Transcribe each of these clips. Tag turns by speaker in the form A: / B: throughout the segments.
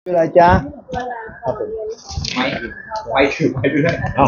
A: ชื่ออะไรจ๊ะ
B: ครับผมไม่ถือไปด้วย
A: อ้าว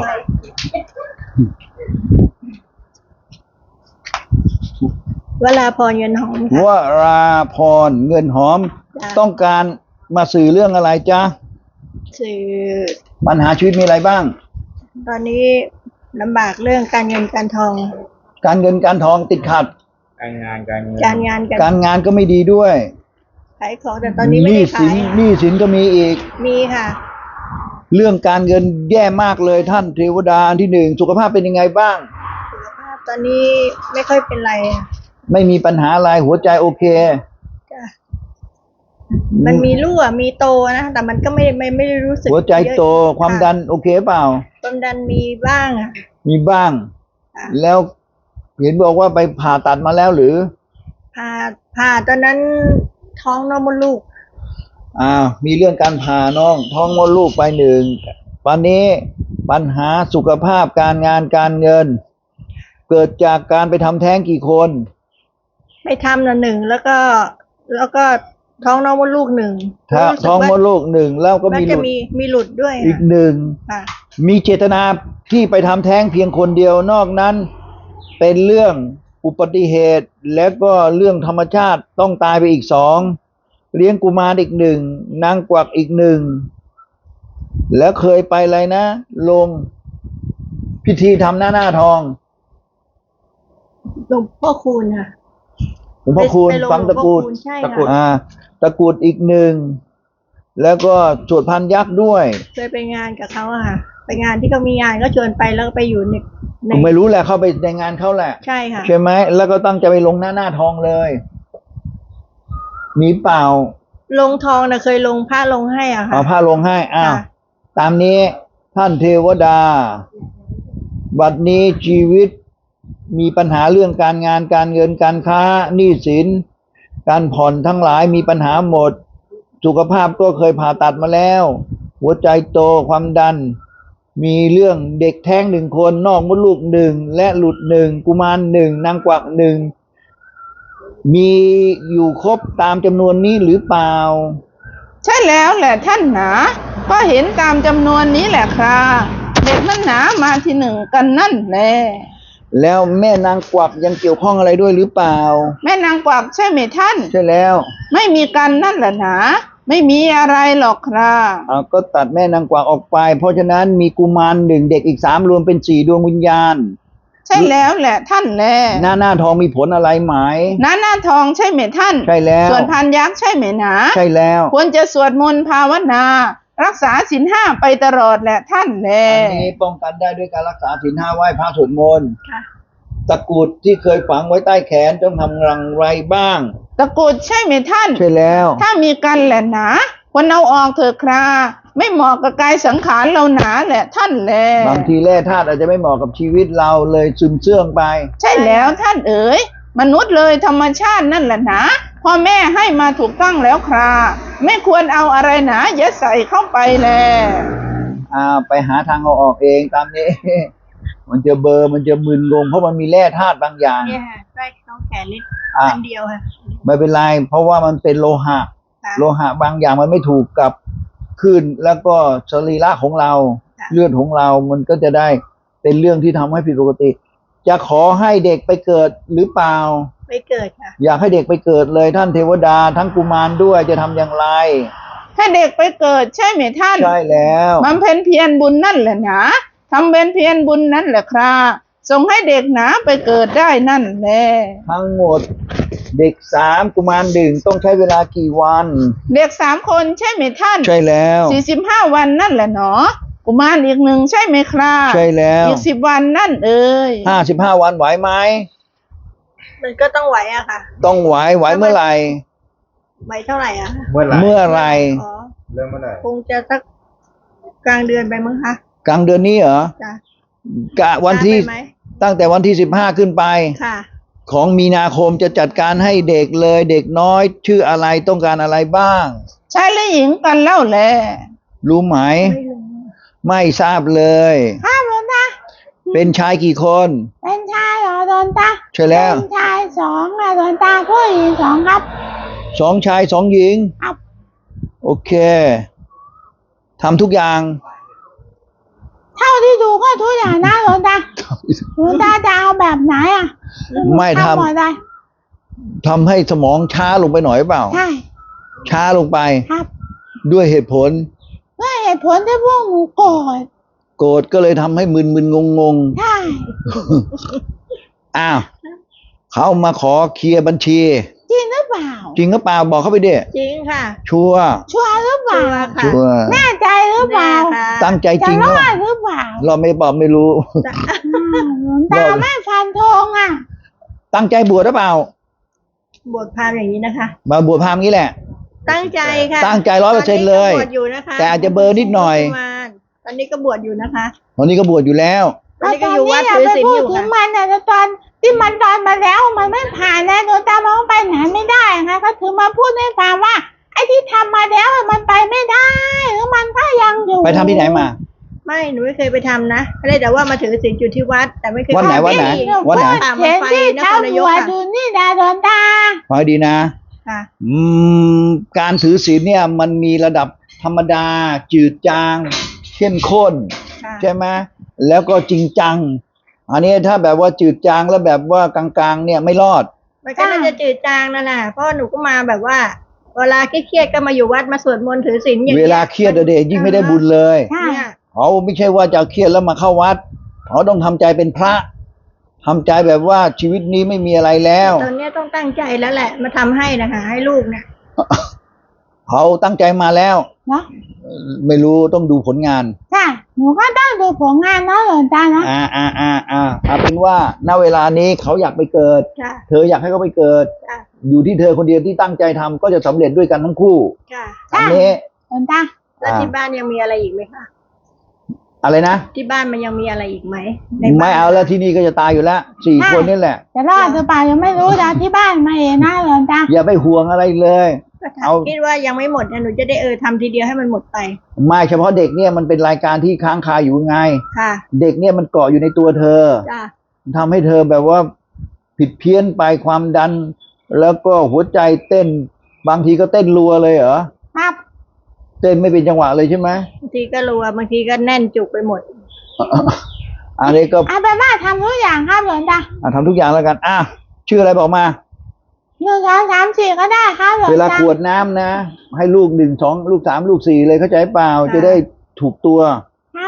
C: วราพรเงินหอม
A: ว
C: ค่ะ
A: ราพรเงินหอม
C: จ้ะ
A: ต้องการมาสื่อเรื่องอะไรจ๊ะ
C: สื่อ
A: ปัญหาชีวิตมีอะไรบ้าง
C: ตอนนี้ลำบากเรื่องการเงินการทอง
A: การเงินการทองติดขัด
B: การงานการเงิน
C: การงาน
A: การงานก็ไม่ดีด้วย
C: ขายของแต่ตอนนี้ไม่ได้
A: สิ
C: ขาน ย
A: หนี้สินก็มีอีก
C: มีค่ะ
A: เรื่องการเงินแย่มากเลยท่านเทวดาอันที่หนึ่งสุขภาพเป็นยังไงบ้าง
C: สุขภาพตอนนี้ไม่ค่อยเป็นไรอะ
A: ไม่มีปัญหาอะไรหัวใจโอเค
C: จ้ะมันมีรั่วมีโตนะแต่มันก็ไม่ได้รู้สึก
A: หัวใจโต
C: เยอะ
A: ความดันโอเคเปล่า
C: ความดันมีบ้างอ่ะ
A: มีบ้าง
C: ค่ะ
A: แล้วเห็นบอกว่าไปผ่าตัดมาแล้วหรือ
C: ผ่าตอนนั้นท้องน้องมดลูก
A: มีเรื่องการผ่าน้องท้องมดลูกไปหนึ่งวันนี้ปัญหาสุขภาพการงานการเงิน เกิดจากการไปทำแท้งกี่คน
C: ไปทำหนึ่งแล้วก็ท้องน้องมดลูกหนึ่ง
A: ถ้า
C: รู้สึก
A: ท้องม
C: ว่า
A: ดลูกหนึ่งแล้วก็
C: มัน
A: มีห
C: จะ
A: ลุด
C: มีหลุดด้วย
A: อีก
C: ค่ะ
A: หนึ่ง
C: ค่ะ
A: มีเจตนาที่ไปทำแท้งเพียงคนเดียวนอกนั้น เป็นเรื่องอุบัติเหตุและก็เรื่องธรรมชาติต้องตายไปอีกสองเลี้ยงกุมารอีกหนึ่งนางกวักอีกหนึ่งแล้วเคยไปอะไรนะ ลงพิธีทำหน้าทอง
C: หลวงพ่อคูณค่ะ
A: หลวงพ่อคูณ
C: ไปลง
A: ฝังตะกรุด
C: หลวงพ่อคูณใช่
A: ตะกรุด
C: ค่ะ
A: ตะกรุดอีกหนึ่งแล้วก็สวดพันยักษ์ด้วย
C: เคยไปงานกับเขาอะค่ะ ไปงานที่เขามีงานก็ชวนไปแล้วก็ไปอยู่ใน
A: ไม่รู้แหละเข้าไปในงานเขาแหละ
C: ใช่ค่ะ
A: ใช่ไหมแล้วก็ตั้งใจไปลงหน้าทองเลย มีเปล่า
C: ลงทองนะเคยลงผ้าลงให้อ่ะค่ะ
A: เอาผ้าลงให้อ้าว
C: ค่ะ
A: ตามนี้ท่านเทวดา บัดนี้ชีวิตมีปัญหาเรื่องการงานการเงินการค้าหนี้สินการผ่อนทั้งหลายมีปัญหาหมด สุขภาพก็เคยผ่าตัดมาแล้ว หัวใจโตความดัน มีเรื่องเด็กแท้งหนึ่งคนนอกมดลูกหนึ่งและหลุดหนึ่งกุมารหนึ่งนางกวักหนึ่งมีอยู่ครบตามจำนวนนี้หรือเปล่า
D: ใช่แล้วแหละท่านหนาก็เห็นตามจำนวนนี้แหละครับเด็กนั่นหนามาที่หนึ่งกันนั่นแหละ
A: แล้วแม่นางกวักยังเกี่ยวข้องอะไรด้วยหรือเปล่า
D: แม่นางกวักใช่ไหมท่าน
A: ใช่แล้ว
D: ไม่มีกันนั่นแหละหนาไม่มีอะไรหรอกครับ
A: ก็ตัดแม่นางกวักออกไป เพราะฉะนั้นมีกุมารหนึ่งเด็กอีกสามรวมเป็นสี่ดวงวิญญาณ
D: ใช่แล้วแหละท่านแหละ
A: หน้าทองมีผลอะไรไหม
D: หน้าทองใช่ไหมท่าน
A: ใช่แล้ว
D: ส่วนพันยักษ์ใช่ไหมหนา
A: ใช่แล้ว
D: ควรจะสวดมนต์ภาวนา รักษาศีลห้าไปตลอดแหละท่านแหละ
A: อันนี้ป้องกันได้ด้วยการรักษาศีลห้าไหว้พระสวดมนต์
C: ค่ะ
A: ตะกรุดที่เคยฝังไว้ใต้แขนต้องทำรังไรบ้าง
D: ตะกรุดใช่ไหมท่าน
A: ใช่แล้ว
D: ถ้ามีกันแหละหนาควรเอาออกเถอะคราไม่เหมาะกับกายสังขารเราหนาแหละท่านแหละ
A: บางทีแร่ธาตุอาจจะไม่เหมาะกับชีวิตเราเลยซึมเสื่องไป
D: ใช่แล้วท่านเอ๋ยมนุษย์เลยธรรมชาตินั่นแหละหนาพ่อแม่ให้มาถูกต้องแล้วคราไม่ควรเอาอะไรหนายัดใส่เข้าไปแล
A: ไปหาทางเอาออกเองตามนี้ มันจะเบลอร์มันจะมึนงงเพราะมันมีแร่ธาตุบางอย่าง
C: เนี่ยค่ะได้ท้องแขนนิด
A: อ่ะ
C: อันเดียวค่ะ
A: ไม่เป็นไรเพราะว่ามันเป็นโลหะ
C: ค่ะ
A: โลหะบางอย่างมันไม่ถูกกับคลื่นแล้วก็สรีระของเรา
C: ค่ะ
A: เลือดของเรามันก็จะได้เป็นเรื่องที่ทำให้ผิดปกติ จะขอให้เด็กไปเกิดหรือเปล่า
C: ไม่เกิดค่ะ
A: อยากให้เด็กไปเกิดเลยท่านเทวดาทั้งกุมารด้วยจะทำอย่างไร
D: ให้เด็กไปเกิดใช่ไหมท่าน
A: ใช่แล้ว
D: บำเพ็ญเพียรบุญนั่นแหละหนาทำเป็นเพียรบุญนั่นแหละคราส่งให้เด็กหนาไปเกิดได้นั่นแหละ
A: ทั้งหมดเด็กสามกุมารหนึ่งต้องใช้เวลากี่วัน
D: เด็ก3 คนใช่ไหมท่าน
A: ใช่แล้ว
D: 45 วันนั่นแหละหนอกุมารอีกหนึ่งใช่ไหมครา
A: ใช่แล้ว
D: อีก10 วันนั่นเอ่ย
A: 55 วันไหวไหม
C: มันก็ต้องไหวอะค่ะ
A: ต้องไหวเมื่อไหร่
C: ไหวเท่าไหร่อะ
B: เมื่อไหร่
A: เมื่อไหร่
C: อ๋อ
B: เริ่มเมื่อไหร่
C: คงจะสักกลางเดือนไปมั้งคะ
A: กลางเดือนนี้เหรอ
C: จ้ะ
A: กะวันที่
C: ได้ไหม
A: ตั้งแต่วันที่15ขึ้นไป
C: ค่ะ
A: ของมีนาคมจะจัดการให้เด็กเลยเด็กน้อยชื่ออะไรต้องการอะไรบ้าง
D: ชายและหญิงกันเล่าแหละ
A: รู้ไหม
C: ไม่รู้
A: ไม่ทราบเลย
D: ห้ามแล้วนะ
A: เป็นชายกี่คน
D: เป็นชายเหรอโดนตา
A: ใช่แล้ว
D: เป็นชาย2อะโดนตาผู้หญิง2ครับ
A: 2 ชาย 2 หญิง
D: ครับ
A: โอเคทำทุกอย่าง
D: เท่าที่ดูก็ทุกอย่างนะหลวงตาหลวงตาจะเอาแบบไหนอ่ะ
A: ไม่ทำ
D: หมดเลย
A: ทำให้สมองช้าลงไปหน่อยเปล่า
D: ใช่
A: ช้าลงไป
D: ครับ
A: ด้วยเหตุผล
D: ด้วยเหตุผลที่พวกหนูโกรธ
A: โกรธก็เลยทำให้มึนๆงง
D: ใช่
A: ๆอ้าวเขามาขอเคลียร์บัญชี
D: จริงหรือเปล่า
A: จริงก็เปล่าบอกเขาไปดิ
C: จริงค่ะ
A: ชัวร์
D: ชัวร์หรือเป
C: ชั
D: ล่าว
C: ร์ค่ะ
A: ชัวร์
D: แน่ใจหรือเป
C: แน่
D: ล่า
C: ค่ะ
A: ตั้งใจ
D: จะ
A: จริง
D: ร
A: เหร
D: อ
A: อ
D: ดหรือเปล่า
A: เราไม่บอกไม่รู้
D: หลวงตาไม่ฟันธงอ่ะ
A: ตั้งใจบวชหรือเปล่า
C: บวชพราหมณ์อย่างนี้นะคะ
A: มาบวชพราหมณ์งี้แหละ
C: ตั้งใจค่ะ
A: ตั้งใจ100%เลย
C: ตอนนี้ก็บวชอยู่นะคะ
A: แต่อาจจะเบลอนิดหน่อย
C: ตอนนี้ก็บวชอยู่นะคะ
A: ตอนนี้ก็บวชอยู่แล้ว
C: ตอนนี้ก็อยู่วัด
D: อย่า
C: ถือ
D: ไป
C: ศีล
D: พู
C: อ
D: ด
C: ยู่
D: ถึง
C: ค่ะ
D: มันแต่ตอนที่มันตอนมาแล้วมันไม่ผ่านนะหลวงตามองไปไหนไม่ได้ไงก็ถึงมาพูดให้ฟังว่าไอ้ที่ทำมาแล้วมันไปไม่ได้หรือมันก็ยังอยู่
A: ไปทำที่ไหนมา
C: ไม่หนูไม่เคยไปทำนะก็เลยแต่ว่ามาถือศีลอยู่ที่วัด แต่ไม่เคย
A: วัดไหน
C: ป
A: วัดไหน
C: ที่
A: วัดไหน
C: ป่ามั
D: เห็
C: น
D: น
C: ไฟ
D: ที่
C: นครนาย
D: ทำ
C: ก
D: หัว
C: ค่ะ
D: ดูนี่นะหลวงตา
A: ฟังให้ดีนะ
C: ค่ะ
A: การถือศีลเนี่ยมันมีระดับธรรมดา จืดจาง เข้มข้น
C: ค่ะ
A: ใช่ไหมแล้วก็จริงจัง อันนี้ถ้าแบบว่าจืดจางแล้วแบบว่ากลางๆ เนี่ยไม่รอด
C: มันก็น่าจะจืดจางนั่นแหละเพราะหนูก็มาแบบว่า เวลาเครียดๆก็มาอยู่วัดมาสวดมนต์ถือศีลอย่าง
A: เว
C: เงี้ย
A: ลาเครียดอะเด็กยิ่งไม่ได้บุญเลย
D: ใช่
C: เนี่ย
A: เขาไม่ใช่ว่าจะเครียดแล้วมาเข้าวัดเขาต้องทำใจเป็นพระทำใจแบบว่าชีวิตนี้ไม่มีอะไรแล้ว
C: ตอนเนี้ยต้องตั้งใจแล้วแหละ มาทำให้นะคะให้ลูกเนี่ย
A: เขาตั้งใจมาแล้ว
D: เนาะ
A: ไม่รู้ต้องดูผลงาน
D: ใช่หนูก็ต้องดูผลงานเนาะหลวงตานะ
A: เอาเป็นว่าณเวลานี้เขาอยากไปเกิด
C: ค่ะ
A: เธออยากให้เขาไปเกิด
C: ค่ะ
A: อยู่ที่เธอคนเดียวที่ตั้งใจทำก็จะสำเร็จด้วยกันทั้งคู่
C: ค่ะ
A: อันนี้
D: หลวงตา
C: แล้วที่บ้านยังมีอะไรอีกไหมคะ
A: อะไรนะ
C: ที่บ้านมันยังมีอะไรอีกไหมในบ้น
A: ไม่เอาแล้วที่นี่ก็จะตายอยู่แล้ว4 คนนี่แหละ
D: จะรอดหรือเปล่ายังไม่รู้นะที่บ้านมาเห็นนะหลวงตา
A: อย่าไปห่วงอะไรเลย เอา
C: คิดว่ายังไม่หมดนะหนูจะได้ทำทีเดียวให้มันหมดไป
A: ไม่เฉพาะเด็กเนี่ยมันเป็นรายการที่ค้างคาอยู่ไง
C: ค่ะ
A: เด็กเนี่ยมันเกาะอยู่ในตัวเธอ
C: จ้ะ
A: ทำให้เธอแบบว่าผิดเพี้ยนไปความดัน แล้วก็หัวใจเต้น บางทีก็เต้นรัวเลยเหรอ
D: ครับ
A: เต้นไม่เป็นจังหวะเลยใช่ไหม
C: บางทีก็รัวบางทีก็แน่นจุกไปหมด
A: อันนี้ก็
D: เอาเป็นว่าทำทุกอย่างครับหลวงตา
A: ทำทุกอย่างแล้วกันชื่ออะไรบอกมา
D: 1 2 3 4ก็ได้ครับหลวง
A: เวลา
D: ตาก
A: วดน้ำนะ ให้ลูก1 2ลูก3ลูก4เลยเข้าใจเปล่า
C: ค่ะ
A: จะได้ถูกตัว
D: ครับ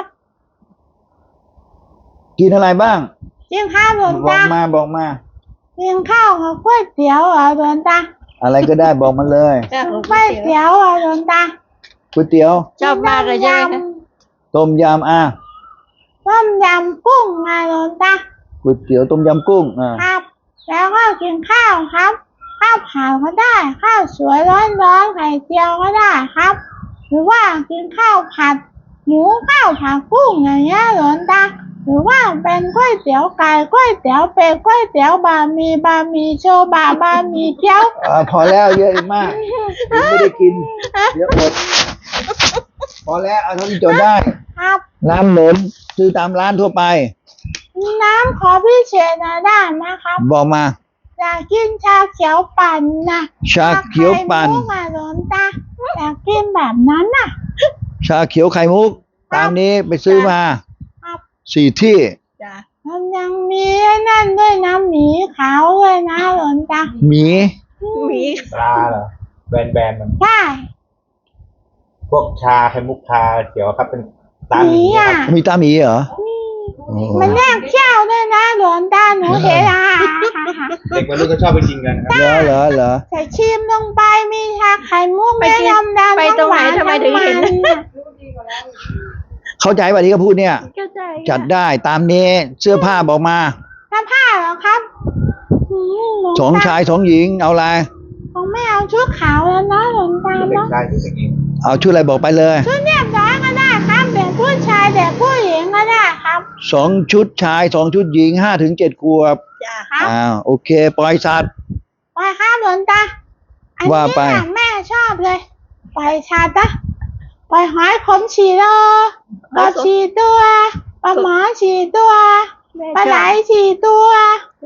A: กินอะไรบ้าง
D: จริงครับหลวง
A: บอก
D: ตา
A: มาบอกมา
D: กินข้าวกับก๋วยเตี๋ยวเหรอหลวงตา
A: อะไรก็ได้บอกมาเลย
C: จ้ะ
D: ก๋วยเตี๋ยวเหรอหลวงตา
A: ก๋วยเตี๋ยว
C: ชอบมากเลยใช่ไหมคะ
A: ต้มยำ
D: ต้มยำกุ้งไงหลวงตา
A: ก๋วยเตี๋ยวต้มยำกุ้ง
D: ครับ แล้วก็กินข้าวครับ ข้าวผัดก็ได้ ข้าวสวยร้อนๆไข่เจียวก็ได้ครับ หรือว่ากินข้าวผัดหมูข้าวผัดกุ้งอย่างเงี้ยหลวงตา หรือว่าเป็นก๋วยเตี๋ยวไก่ก๋วยเตี๋ยวเป็ดก๋วยเตี๋ยวบะหมี่โชบะบะหมี่เกี๊ยว
A: พอแล้วเยอะอีกมากยังไม่ได้กินเดี๋ยวอดพอแล้วเอาเท่าที่จดได้
D: ครับ
A: น้ำหนมซื้อตามร้านทั่วไป
D: น้ำขอพิเศษหน่อยได้ไหมครับ
A: บอกมา
D: อยากกินชาเขียวปั่นนะ
A: ชาเขียวปั่น
D: ชาไข่มุกอะหลวงตาอยากกินแบบนั้นน่ะ
A: ชาเขียวไข่มุก ตามนี้ไปซื้อมา
D: ครับ
A: 4 ที่
C: จ้ะ
D: มันยังมีไอ้นั่นด้วยนะหมีขาวเลยนะหลวงตา
A: หมี
C: มี
B: ปลาเหรอแบนๆมัน
D: ใช่
B: พวกชาไข่มุกชาเขียวครับเป็นตา
D: ห
B: ห
D: มี
B: มีค
D: อ่ะ
B: รับ
A: มีตาหมีเหรอโอ้
D: มันแยกเขี้ยวด้วยนะหลวงตาหนูเห็นอ่ะ
B: เด็กวัยรุ่นก็ชอบไปกินกันครับ
A: เหรอ
D: ใส่ชิมลงไปมีชาไข่มุก
C: ไปกิน
D: น้ำดำ
C: ไปตรงไหน
D: ำวา
C: ทำไมถึงเห็น
D: ำมัะ
A: เข้าใจป่ะที่เขาพูดเนี่ย
C: เข้าใจ
A: จัดได้ตามนี้เสื้อผ้าบอกมา
D: ถ้าผ้าเหรอครับหลวงต
A: 2 ชาย 2 หญิงเอาอะไร
D: คงไม่เอาชุดขาวแล้วนะหลวงตา
B: เด็ก
D: เนาะ
B: ชายที่สกิน
A: เอาชุดอะไรบอกไปเลย
D: ชุดเรียบร้อยก็ได้ครับเด็กผู้ชายเด็กผู้หญิงก็ได้ครับ
A: 2 ชุดชาย 2 ชุดหญิง5 ถึง 7 ขวบ
C: จ้ะ
D: ครับ
A: โอเค ปล่อยสัตว์
D: ไปครับหลวงตาอัน
A: ว่า
D: นี้
A: ไป
D: น่ะแม่ชอบเลยไปชาตะไปหอยขมฉีโลกบฉีตัวปลาหมอฉีตัวปลาไหลฉีตัว
C: จ้ะ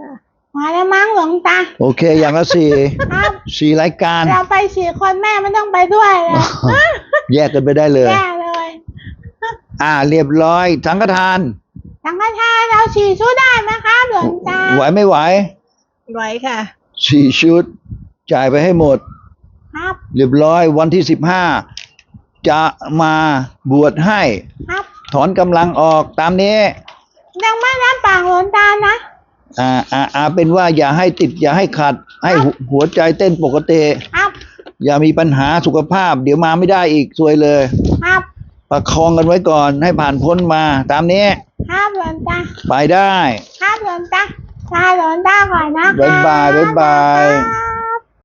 D: พอแล้วมั้งหลวงตา
A: โอเค อย่างละสี่
D: ครับ
A: สี่รายการ
D: เราไป4 คนแม่ไม่ต้องไปด้วยเลย
A: แยกกันไปได้เลย
D: แย่เลย
A: เรียบร้อยสังฆทาน
D: สังฆทานเรา4 ชุดได้ไหมครับหลวงตา
A: ไหวไม่ไหว
C: ไว้ค่ะ
A: สี่ชุด จ่ายไปให้หมด
D: ครับ
A: เรียบร้อยวันที่15จะมาบวชให้
D: ครับ
A: ถอนกำลังออกตามนี้
D: ยังไม่รับปากหลวงตานะ
A: เป็นว่าอย่าให้ติด อย่าให้ขัด ให้หัวใจเต้นปกติ
D: ครับ
A: อย่ามีปัญหาสุขภาพ เดี๋ยวมาไม่ได้อีกซวยเลย
D: ครับ
A: ประคองกันไว้ก่อนให้ผ่านพ้นมา ตามนี้
D: ครับหลวงตา
A: ไปได้
D: ครับหลวงตาลาหลวงตาก่อนนะคะ
A: บ๊ายบาย
D: ครับ